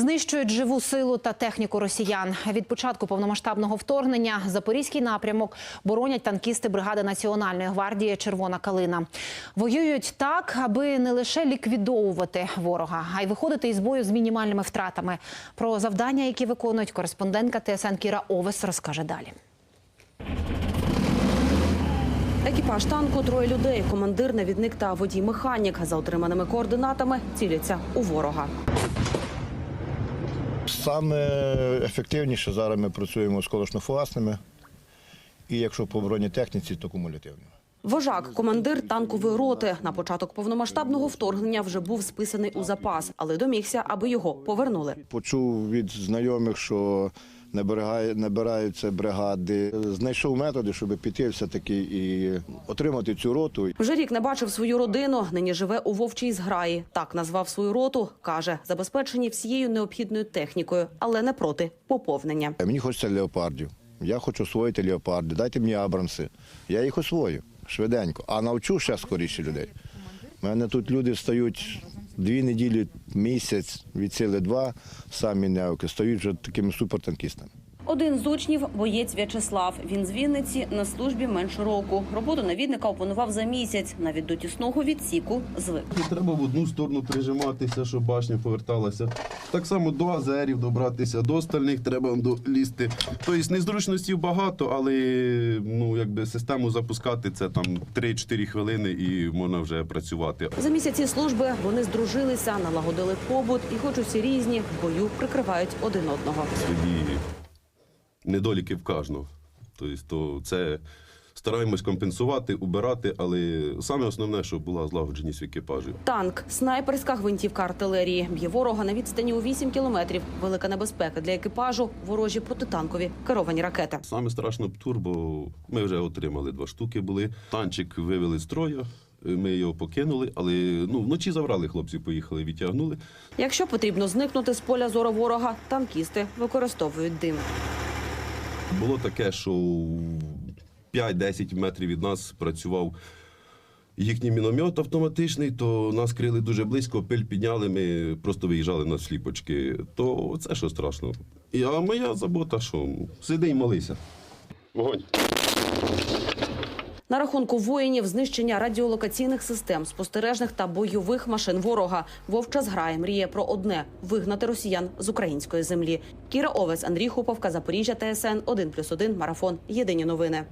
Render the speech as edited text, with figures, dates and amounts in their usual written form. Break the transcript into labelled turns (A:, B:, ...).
A: знищують живу силу та техніку росіян. Від початку повномасштабного вторгнення Запорізький напрямок боронять танкісти бригади Національної гвардії «Червона калина». Воюють так, аби не лише ліквідовувати ворога, а й виходити із бою з мінімальними втратами. Про завдання, які виконують, кореспондентка ТСН Кіра Овес розкаже далі.
B: Екіпаж танку – 3 людей. Командир, навідник та водій-механік. За отриманими координатами ціляться у ворога.
C: Саме ефективніше зараз ми працюємо з колишньофугасними. І якщо по бронетехніці, то кумулятивними.
B: Вожак – командир танкової роти. На початок повномасштабного вторгнення вже був списаний у запас, але домігся, аби його повернули.
C: Почув від знайомих, що набираються бригади. Знайшов методи, щоб піти все-таки і отримати цю роту.
B: Вже рік не бачив свою родину, нині живе у Вовчій зграї. Так назвав свою роту, каже, забезпечені всією необхідною технікою, але не проти поповнення.
C: Мені хочеться леопардів. Я хочу освоїти леопарди. Дайте мені абрамси. Я їх освою швиденько, а навчу ще скоріше людей. У мене тут люди стають 2 неділі, місяць, від сили 2, самі неоки, стають вже такими супертанкістами.
B: Один з учнів – боєць В'ячеслав. Він з Вінниці, на службі менше року. Роботу навідника опанував за місяць. Навіть до тісного відсіку звик.
D: Треба в одну сторону прижиматися, щоб башня поверталася. Так само до азерів добратися, до остальних треба лізти. Тобто незручностей багато, але систему запускати – це там 3-4 хвилини і можна вже працювати.
B: За місяці служби вони здружилися, налагодили побут і хоч усі різні, в бою прикривають один одного.
D: Свої недоліки в кожного. Тобто це стараємось компенсувати, убирати, але саме основне, щоб була злагодженість в екіпажі.
B: Танк – снайперська гвинтівка артилерії. Б'є ворога на відстані у 8 кілометрів. Велика небезпека для екіпажу – ворожі протитанкові керовані ракети.
D: Саме страшно птур, бо ми вже отримали 2 штуки були. Танчик вивели з строю. Ми його покинули, але вночі забрали хлопців, поїхали, відтягнули.
B: Якщо потрібно зникнути з поля зору ворога, танкісти використовують дим.
D: Було таке, що 5-10 метрів від нас працював їхній міномет автоматичний, то нас крили дуже близько, пиль підняли, ми просто виїжджали на сліпочки. То це що страшно. А моя забота, що сиди і молися. Вогонь.
B: На рахунку воїнів – знищення радіолокаційних систем, спостережних та бойових машин ворога. Вовча зграя мріє про одне – вигнати росіян з української землі. Кіра Овес, Андрій Хуповка, Запоріжжя, ТСН 1+1, Марафон. Єдині новини.